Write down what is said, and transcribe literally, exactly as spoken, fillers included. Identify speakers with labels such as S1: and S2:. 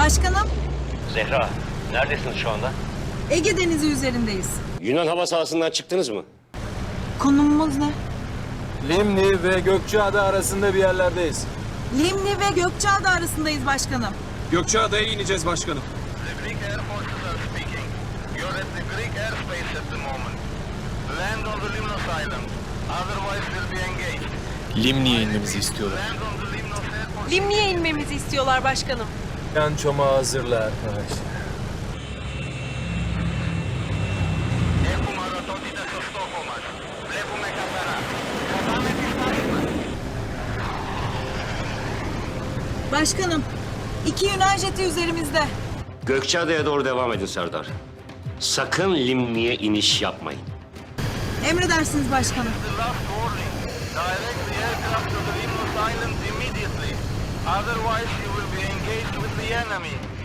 S1: Başkanım,
S2: Zehra, neredesiniz şu anda?
S1: Ege Denizi üzerindeyiz.
S3: Yunan hava sahasından çıktınız mı?
S1: Konumumuz ne?
S4: Limni ve Gökçeada arasında bir yerlerdeyiz.
S1: Limni ve Gökçeada arasındayız başkanım.
S4: Gökçeada'ya ineceğiz başkanım.
S5: The Greek Air Forces are speaking. You're at the Greek airspace at the moment. Land on the Limnos Island. Otherwise we'll be engaged.
S4: Limni'ye inmemizi istiyorlar.
S5: Land on the Limnos Airport.
S6: Limni'ye inmemizi istiyorlar başkanım.
S4: Yan çomağı hazırla arkadaş.
S5: Έχουμε ορατότητα στο στόχο μας. Βλέπουμε καθαρά. Κρατάμε τη στάση μας.
S1: Başkanım, iki Yunan jeti üzerimizde.
S3: Gökçeada'ya doğru devam edin Serdar. Sakın Limni'ye iniş yapmayın.
S1: Emredersiniz başkanım.
S5: The last warning. Direct the aircraft to the Limnos Islands immediately. Otherwise you will be engaged with the enemy.